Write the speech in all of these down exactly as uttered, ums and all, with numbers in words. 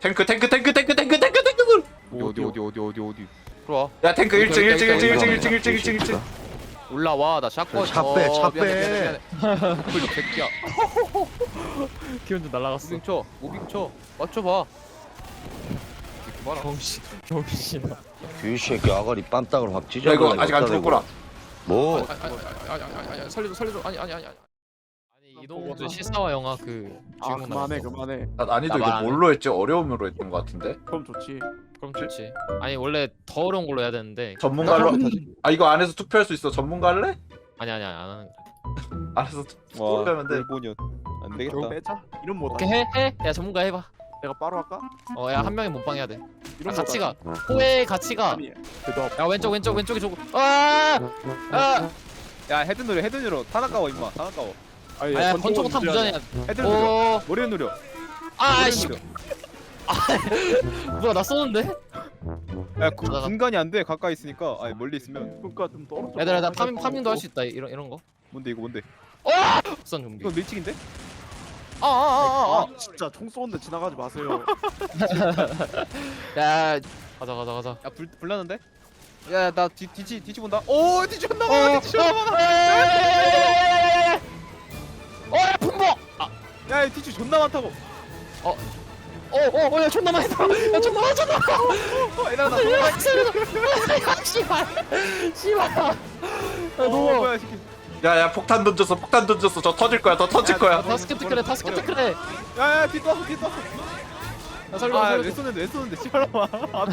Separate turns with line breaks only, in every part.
탱크 탱크 탱크 탱크 탱크 탱크 탱크.
어디 어디 어디 어디 어디 들어와.
야 탱크 일 층 일 층 일 층 일 층
여기,
일 층 일 층 일 층 일 층.
올라와 나 샷건.
차 빼, 차
어, 미안해,
빼.
미안해, 미안해. 그 새끼야.
기운 좀 날라갔어.
무빙 쳐 무빙 쳐 맞춰봐. 봐라.
정신 정신아.
이 새끼 아가리 빰딱으로 확 찢어.
야 이거 아직 안 죽었구나.
뭐?
아니 아니 아니 아니 아니 아니 살려줘 살려줘 아니 아니 아니 아니.
아니 이동주 실사화 영화 그
아
주인공
그만해
나왔어.
그만해.
아, 난이도
나
이거
말 안 해.
뭘로 했지? 어려움으로 했던 것 같은데.
그럼 좋지.
그럼 좋지. 아니 원래 더 어려운 걸로 해야 되는데.
전문가로. 아 이거 안에서 투표할 수 있어. 전문가할래?
아니 아니 아니 안 하는 거.
안에서 투표하면 돼.
일본이었. 안
이거 빼자. 이런 뭐
오케이 해 해. 야 전문가 해봐.
내가 바로 할까?
어 야 한 명이 몸빵 해야 돼.
이런
같이 가. 호의 같이 가.
아니 대답.
야 왼쪽 왼쪽 왼쪽이 저거. 아! 아!
야 헤드 누려 헤드 누려 타나까워 임마 타나까워.
아니
아야 권총은 탑 무전이야.
헤드 누려
오.
머리를 누려.
아
머리를
씨.
누려.
뭐야 나 쏘는데?
야 구-
가다가.
분간이 안 돼 가까이 있으니까 아니 멀리 있으면.
그러니까 좀 떨어져.
얘들아 나 파밍 파밍도 할 수 있다. 이런 이런 거.
뭔데 이거 뭔데?
선 좀비.
이거 밀치기인데? 아아아아
아 진짜 총 쏘는데 지나가지 마세요.
야 가자 가자 가자.
야 불 불나는데? 야나 뒤치 뒤치 본다. 오 뒤치 존나
어,
많아 뒤치 존나 많아.
어, 야, 품목!
야 뒤치 존나 많다고.
어, 어, 어, 야, 존나 많이 들어. 야, 존나 많이 들어.
어 얘들아 나
야, 살려줘. 야, 씨발. 씨발. 야,
어,
너무.
뭐야 이 새끼.
야야 폭탄 던졌어. 폭탄 던졌어. 저 터질 거야. 더 터질
야,
거야.
다스케트 그래, 다스케트 그래.
야야 뒤 떠, 뒤 떠.
야, 살려줘,
아왜
살려줘.
쏘는데 왜 쏘는데 씨발놈아.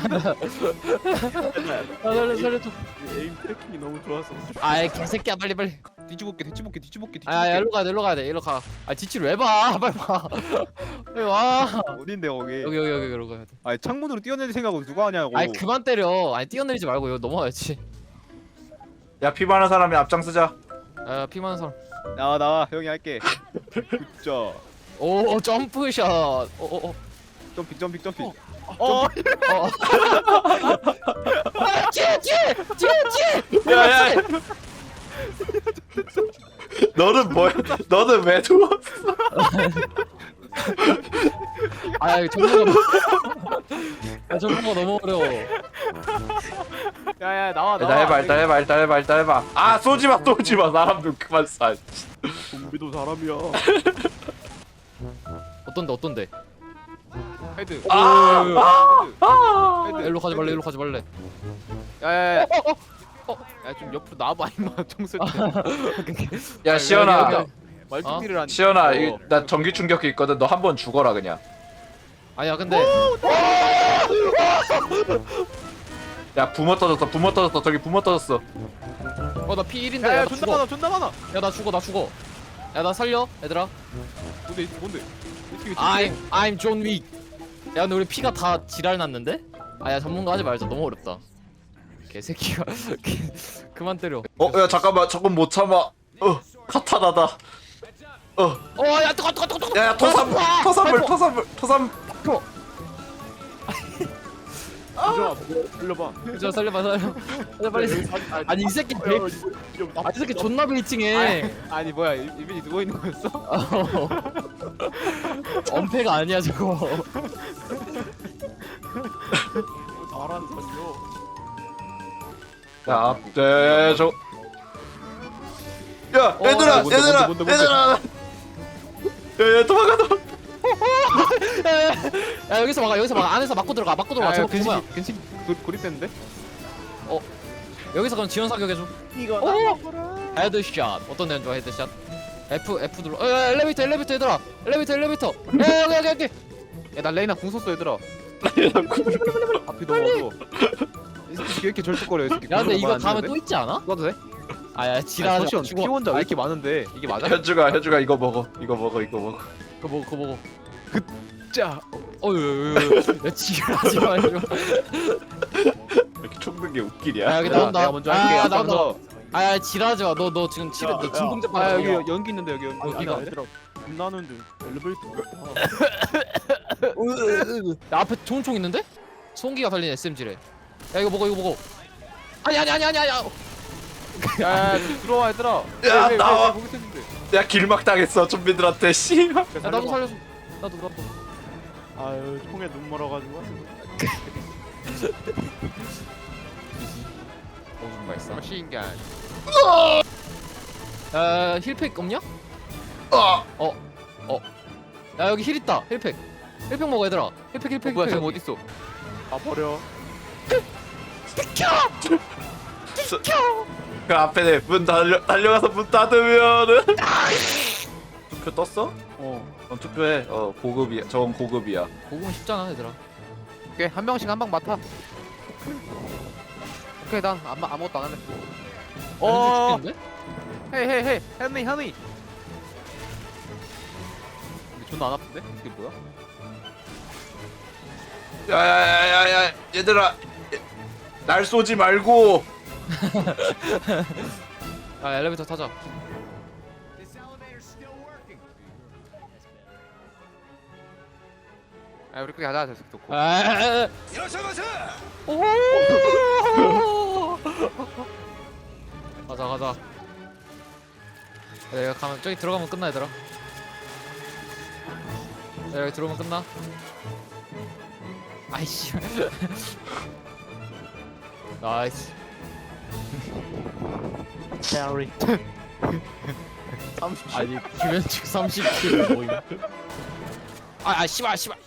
야, 살려줘, 살려줘.
에임 트래킹이 너무 좋아서.
아이, 개새끼야, 빨리, 빨리.
뒤집어볼게 뒤집어볼게 뒤집어볼게
아, 야, 일로 가야 돼, 일로 가야 돼, 일로 가. 아, 지치를 왜 봐? 빨리 봐. 빨리 와.
어딘데 거기.
여기, 여기, 여기, 여기 가야 돼.
아니 창문으로 뛰어내릴 생각을 누가 하냐고.
아이, 그만 때려. 아니, 뛰어내리지 말고 여기 넘어가야지.
야 피 많은 사람이 앞장서자.
야, 피 많은 사람.
나와 나와 형이 할게. 굿자.
오, 점프샷. 오, 오, 오.
점핑 점핑 점핑.
어.
어.
어. 아, 뒤에, 뒤에, 뒤에, 뒤에.
야야. 너는 뭐야? 너는 왜 누웠어?
아, 이거 정보가 너무. 야, 정보가 너무 어려워.
야야 나와 나와.
일단 해봐. 일단 해봐. 일단 해봐. 일단 해봐. 아 쏘지 마. 쏘지 마. 사람 좀 그만 쏴.
좀비도 사람이야.
어떤데, 어떤데?
헤드.
아! 아!
헤드.
일로 가지 말래, 일로 가지 말래.
야야야. 야좀 옆으로 나와봐 임마 총쏠 때.
야 시연아.
여기,
말뚝질을 한.
시연아, 이- 나 전기 충격기 있거든. 너 한 번 죽어라 그냥.
아니야, 근데.
야 부모 터졌어. 부모 터졌어. 저기 부모 터졌어.
어, 나 피 일인데.
야야
야, 나
존나
죽어.
많아 존나 많아.
야, 나 죽어, 나 죽어. 야, 나 살려, 얘들아.
뭔데 이- 뭔데? 어떻게
I'm, I'm John Wick. 야, 근데 우리 피가 다 지랄 났는데? 아, 야, 전문가 하지 말자. 너무 어렵다. 개새끼가. 그만 때려.
어, 야 잠깐만. 저건 못 참아. 어, 카타나다. 어,
어, 야, 뜨거, 뜨거, 뜨거, 뜨거.
야, 야 토산물, 토산물, 토산물, 토산.
이정아 돌려봐.
저 살려봐, 살려. 살려, 빨리. 아니, 이 새끼 배. 아, 이 새끼 존나 베이팅해.
아니 뭐야 이- 이빈이 누워 있는 거였어?
어. 엄폐가 아니야, 저거.
잘하는 사람이요.
야, 앞대 저. 야,
어,
얘들아,
야, 뭔데,
얘들아,
뭔데, 뭔데,
얘들아. 야, 야, 도망가, 도망가.
야, 여기서 막아, 여기서 막아. 안에서 막고 들어가, 막고 들어가. 저거 뭐야?
근식 근식 고- 고립됐는데?
여기서 그럼 지원 사격 해줘.
이거
오! 헤드샷. 어떤 애는 좋아, 헤드샷? F, F 눌러. 어, 야, 엘리베이터, 엘리베이터, 얘들아. 엘리베이터, 엘리베이터. 야, 여기, 여기, 여기.
야나 레이나 궁 썼어 얘들아. 앞이 너무 어두워. 이 새끼 왜 이렇게 절뚝거려 이 새끼.
야, 근데 이거
안
다음에
되는데?
또 있지 않아?
써도 돼?
아, 야,
아니
지랄하지 마.
잠시만
죽어.
피원자 왜 이렇게 많은데 이게 맞아?
현주가, 현주가 이거 먹어, 이거 먹어, 이거 먹어.
그거 먹어, 그거 먹어.
자
어, 야, 야, 야, 지랄하지 마, 이거.
이렇게 총는 게
야,
웃기냐?
여기
야,
나온다.
내가 먼저 할게.
아,
앞장서.
나온다. 아, 야, 지랄하지 마. 너, 너 지금 치료,
야,
너
야.
진공제
아
받아.
여기 연기 있는데 여기 연기.
여기가.
여기가.
얘들아 겁나는데 엘리베이터.
야, 앞에 좋은 총 있는데? 송기가 달린 에스엠지래. 야, 이거 먹어, 이거 먹어. 아니, 아니, 아니, 아니, 아니.
야야 들어와 얘들아.
야,
왜, 왜, 왜,
나와.
왜 거기 있었는데?
야, 길막 당했어, 좀비들한테. 씨.
야, 나도 살려줘. 나도, 나도.
아유 총에 눈 멀어가지고.
오줌 발사.
머신간.
야 힐팩 없냐?
아!
어. 어. 야 여기 힐 있다. 힐팩. 힐팩 먹어 얘들아. 힐팩 힐팩
뭐야
힐팩.
쟤 어딨어?
아 버려.
그 앞에 문 달려 달려가서 문 닫으면은 투표 떴어?
어.
어, 투표해. 어 고급이야. 저건 고급이야.
고구마 쉽잖아 얘들아.
오케이 한 명씩 한 방 맡아. 오케이 난 아무 아무것도 안 할래.
어.
어.
죽겠는데?
헤이 헤이 헤이 헬미 헬미. 근데 존나 안 아픈데? 이게 뭐야?
야야야야야 얘들아 얘- 날 쏘지 말고.
야 엘리베이터 타자.
아 우리 그게 가자 됐어 좋고.
아. 오. 가자 가자. 내가 가면 저기 들어가면 끝나 얘들아. 야, 여기 들어오면 끝나. 아이씨. 나이스.
캐리.
아니 김현식 삼십 킬 모임. 아, 아 씨발 씨발.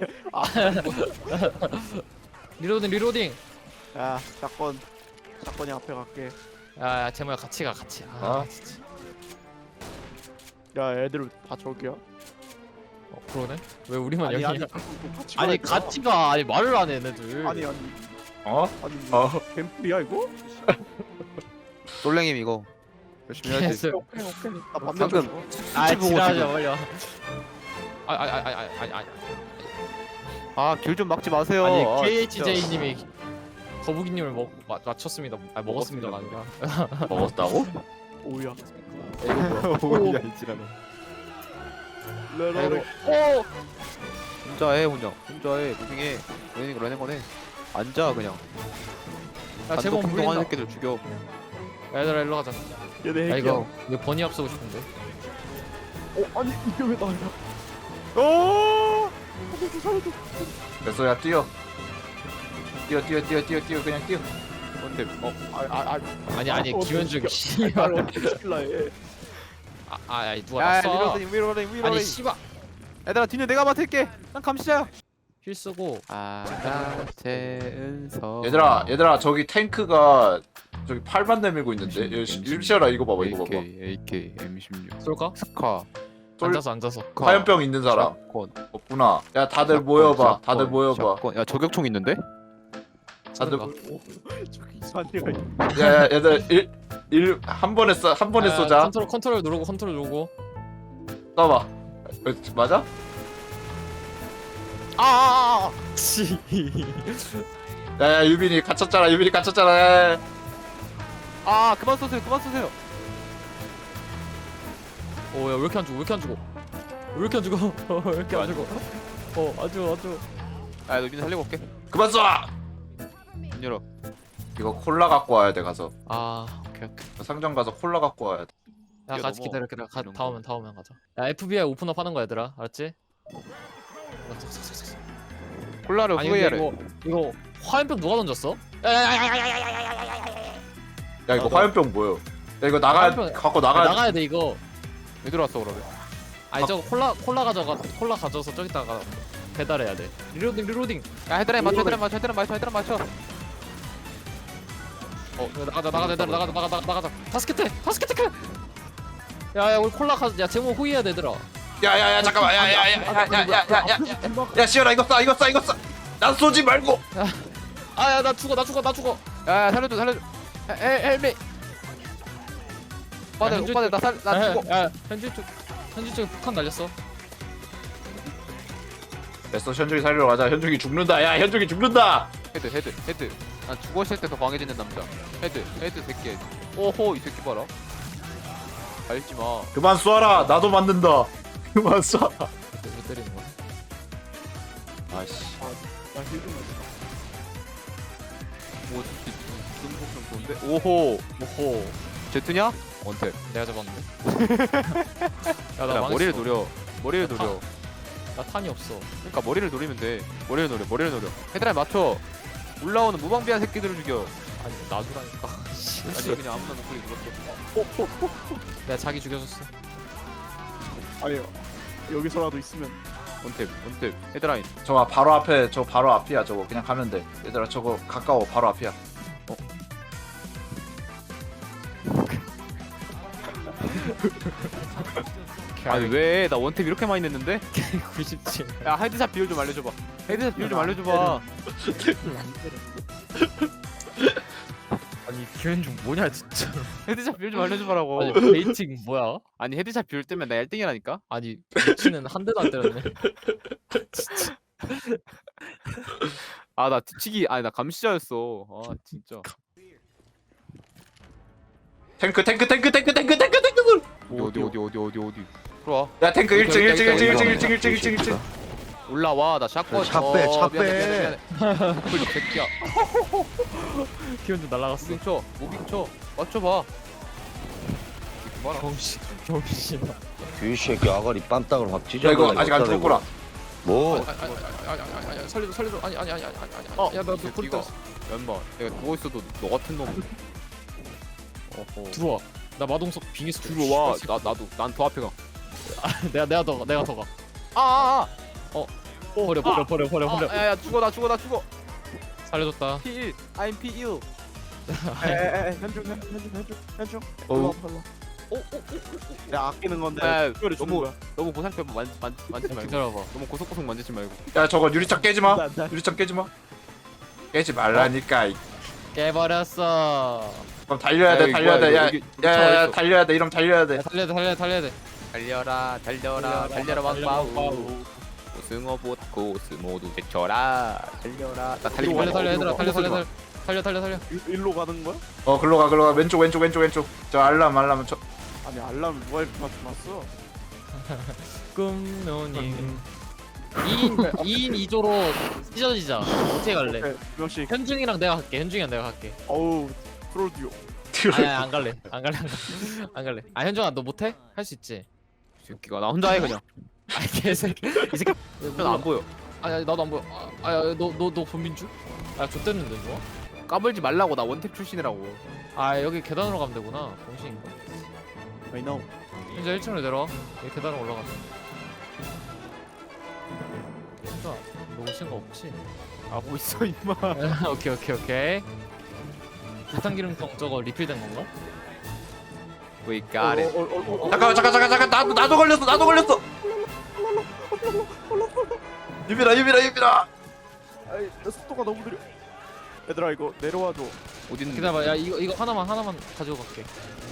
리로딩 리로딩.
야 사건. 사건이 앞에 갈게.
야, 야 제모야 같이 가 같이. 아,
어?
진짜.
야 애들 다 저기야.
어, 그러네. 왜 우리만
아니
여기냐?
아니 같이
아니
가니까.
같이 가. 아니 말을 안 해 얘네들.
아니 아니
어?
아니
어?
뱀플이야 이거?
솔랭임 이거. 열심히 해야지.
개슬.
오케이 오케이. 나
방금
방금
아
보고
지랄하지
지금.
말려. 아아아아아아아 아니.
아길 좀 막지 마세요.
아니
아,
케이에이치제이님이 거북이님을 먹 마, 맞췄습니다. 아 먹었습니다가 아니라.
먹었다고?
오야.
이거
뭐야 이 지랄은.
레러리.
오.
혼자 해 혼자. 혼자 해. 무빙해. 러닝 러닝 거네. 앉아 그냥.
야 제목
행동하는
물린다.
새끼들 죽여.
야, 얘들아 일로 가자.
얘네
야
핵이야.
이거 이거 버니 앞서고 싶은데.
어 아니 이게 왜 나야? 오!
그래서 야 뛰어. 뛰어 뛰어 뛰어 뛰어 뛰어 그냥 뛰어.
뭔데? 어.
아아 아.
아니 아니
어떻게
김현중
시켜?
씨발.
날 어떻게 시킬라 해?
아, 아 야, 누가
야
났어?
위로링 위로링 위로링.
아니 씨발.
얘들아 뒤는 내가 맡을게. 난 감시자야.
힐 쓰고.
아나 재은서.
얘들아 얘들아 저기 탱크가 저기 팔만 내밀고 있는데. 일시라 이거 봐봐 이거 봐봐.
에이케이 엠 십육.
쏠까?
스카.
쏠-
앉아서 앉아서.
화염병 있는 사람
샷건.
없구나. 야 다들 모여봐. 다들 모여봐.
샷건. 야 저격총 있는데?
다들
쏠까?
저기 이상한 데가 있네.
야, 야 얘들 일일한 번에 쏴 한 번에
아,
쏘자.
컨트롤 컨트롤 누르고 컨트롤 누르고.
쏴봐. 어, 맞아?
아아아.
치.
야야 유빈이 갇혔잖아. 유빈이 갇혔잖아. 야, 야.
아 그만 쏘세요 그만 쏘세요.
오야 왜 이렇게 안 죽어? 왜 이렇게 안 죽어? 왜 이렇게 안 죽어? 왜 이렇게 안 죽어? 어안 죽어 안 죽어.
아너 민우 살리고 올게.
그만 쏴.
문 열어.
이거 콜라 갖고 와야 돼 가서.
아 오케이 오케이.
상점 가서 콜라 갖고 와야 돼.
야
뛰어넘어.
같이 기다려 기다려. 가,
이런
다
거.
오면 다 오면 가자. 야 에프비아이 오픈업 하는 거야 얘들아. 알았지?
콜라를
아니 근데
후회하래.
이거 이거 화염병 누가 던졌어?
야 이거
아, 너-
화염병 뭐요? 야 이거 나가
화염병-
갖고
아,
나가.
나가야 돼 이거.
왜 들어왔어 그러면?
아니 저거 콜라 콜라 가져가 콜라 가져서 저기다가 배달해야 돼. 리로딩 리로딩.
야 헤드라인 맞춰 헤드라인 맞춰 헤드라인 맞춰 헤드라인 맞춰.
어 나가자 나가자 얘들아 나가자 나가자 나가자. 바스켓해 바스켓해. 야야 우리 콜라 가. 야 제목 호의해야 돼 얘들아.
야야야 잠깐만. 야야야야야야야야. 야 시연아 이거 쏴 이거 쏴 이거 쏴. 난 쏘지 말고.
아야 나 죽어 나 죽어 나 죽어.
야 살려줘 살려줘. 헬 헬미. 오빠들
현주-
오빠들 나살나
야,
죽어.
야 현지 쪽 현지 쪽에 폭탄 날렸어.
됐어 현중이 살리러 가자. 현중이 죽는다. 야 현중이 죽는다.
헤드 헤드 헤드. 난 죽었을 때 더 강해지는 남자. 헤드 헤드 새끼. 오호 이 새끼 봐라. 알지 마.
그만 쏴라. 나도 맞는다. 그만 쏴.
왜 때리는 거야?
아씨.
나힐좀
오 새끼 무슨 폭좀 좋은데? 오호
오호
제트냐? 원탭.
내가 잡았는데. 야나
야 머리를 노려. 머리를 노려.
나 탄이 없어.
그러니까 머리를 노리면 돼. 머리를 노려, 머리를 노려. 헤드라인 맞춰. 올라오는 무방비한 새끼들을 죽여.
아니 놔두라니까.
아니 그냥 아무나 노클릭 눌렀어.
내가 자기 죽여줬어.
아니 여기서라도 있으면
원탭, 원탭. 헤드라인.
저거 바로 앞에 저 바로 앞이야 저거 그냥 가면 돼 얘들아 저거 가까워 바로 앞이야
아니 왜? 나 원탭 이렇게 많이 냈는데?
구십칠.
야 헤드샷 비율 좀 알려줘봐. 헤드샷 비율 좀 알려줘봐.
아니 기현중 뭐냐 진짜.
헤드샷 비율 좀 알려줘봐라고.
아니 베이팅 뭐야?
아니 헤드샷 비율 때문에 나 일 등이라니까?
아니 미치는 한 대도 안 때렸네.
아 나 뒤치기 아니 나 감시자였어. 아 진짜.
탱크 탱크 탱크 탱크 탱크 탱크 탱크
어디 어디 어디 어디 어디. 들어와.
야 탱크 일 층 일 층 일 층 일 층 일 층
일
일 층 일 층 일 층
올라와 나 샷건.
차 빼, 차
어, 미안해,
빼.
미안해, 미안해. 노클 새끼야.
기현중 날라갔어.
무빙 쳐 무빙 쳐 맞춰봐. 이거 봐라.
병신 병신.
이 새끼 아가리 빰딱으로 확 찢어.
야 이거 아직 안 죽었구나
뭐?
아니 살려줘 살려줘. 아니 아니 아니 아니 아니.
어,
야나너
이
불
새끼가.
떴어.
연마 내가 누워 있어도 너 같은 놈. 어허.
들어와. 나 마동석 빙의스
들어와. 나 나도 난 더 앞에 가.
내가 내가 더 가. 내가 더 가.
아아아.
버려 버려 버려 버려 버려.
아, 야야 죽어 나 죽어 나 죽어.
살려줬다.
피 일. I'm 피 일.
에에에 현중 현중 현중 현중 현중
어우.
내가 아끼는 건데
야,
특별히 주는
너무
거야.
너무 고상표 만, 만, 만지지 말고.
기다려봐.
너무 고속고속 만지지 말고.
야 저거 유리창 깨지마
나- 나-
유리창 깨지마 깨지 말라니까 이-
깨버렸어.
그럼 달려야 돼
야,
달려야
이거 뭐야,
돼야야야
여기 붙어 있어.
달려야 돼 이러면 달려야 돼
야, 달려야 돼 달려야 돼 달려야 돼.
달려라 달려라 달려라
달려라,
왕바우. 고승어보다 고스 모두 제쳐라. 달려라. 나 달리기
달려
말고.
달려 얘들아 달려 달려
쏘지 마.
달려 달려 달려 달려.
일- 일로 가는 거야?
어 글로 가 글로 가 왼쪽 왼쪽 왼쪽 왼쪽 저 알람 알람 저
아니 알람 누가 이렇게 맞춰놨어?
꿈노님. 이인 이인 이조로 찢어지자. 어떻게 갈래?
네, 두 명씩
현중이랑 내가 갈게. 현중이랑 내가 갈게.
어우 프로듀오
아니 아니, 안 갈래. 안 갈래. 안 갈래. 안 갈래. 아 현중아 너 못해? 할 수 있지.
이 새끼가 나 혼자 해 그냥.
아 개새끼. 이 새끼.
난 안 보여.
아니 나도 안 보여. 아너너너 본민주? 아 좆됐는데 뭐?
까불지 말라고. 나 원탭 출신이라고.
아 여기 계단으로 가면 되구나. 정신인가?
I know
현재 일 층으로 내려와. 여기 계단으로 올라가자. 현중아 너 오신 거 없지?
하고 있어 임마.
오케이 오케이 오케이. 비탄기름통 저거 리필된 건가?
We got it.
어, 어, 어, 어,
잠깐 잠깐 잠깐 잠깐 나도 나도 걸렸어 나도 걸렸어 유빈아 유빈아 유빈아
아이 내 속도가 너무 느려 얘들아 이거 내려와줘
어디 있는?
기다려봐. 야 이거 이거 하나만 하나만 가지고 갈게.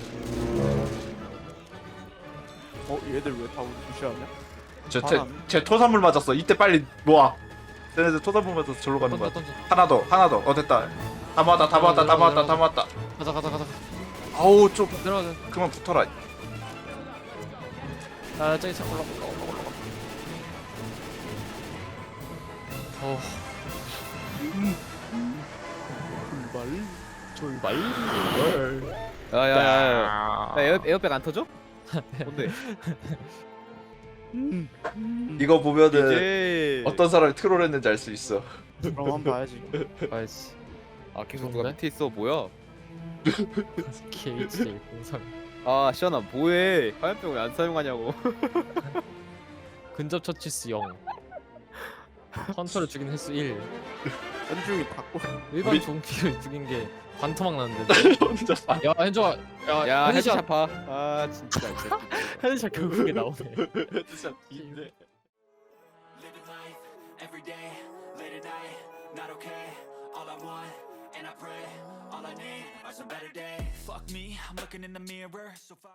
어 얘들 왜 다 우리 무시하냐?
쟤쟤 토산물 맞았어 이때 빨리 모아 쟤네들 토산물 맞아서 절로 가는
던져
거야
던져.
하나 더 하나 더어 됐다 다 모았다 다 모았다 다 모았다 다 모았다
가자 가자 가자.
아우 좀
내려가자.
그만 붙어라
아 저기 참 올라 올라 올라 올라. 어
출발
말.
야야야. 야 에어 에어백 안 터져? 뭔데?
이거 보면은
이제
어떤 사람이 트롤했는지 알 수 있어
그럼 한번 봐야지
아이씨.
아 계속 누가
뭔데?
밑에 있어 뭐야?
케이치 공상.
아 시원아 뭐해? 화염병 왜 안 사용하냐고.
근접 처치수 영. 헌터를 죽인 횟수 일.
현중이 닫고
일반
우리-
종기를 죽인 게 반토막 났는데.
혼자 사
야 현정아. 야,
야
헤드샷.
헤드샷 봐. 아 진짜. 이 새끼.
헤드샷 결국에 나오네.
진짜 인데
Living life every day, late at night, not okay. All I want, and I pray, all I need are some better days. Fuck me, I'm looking in the mirror, so far.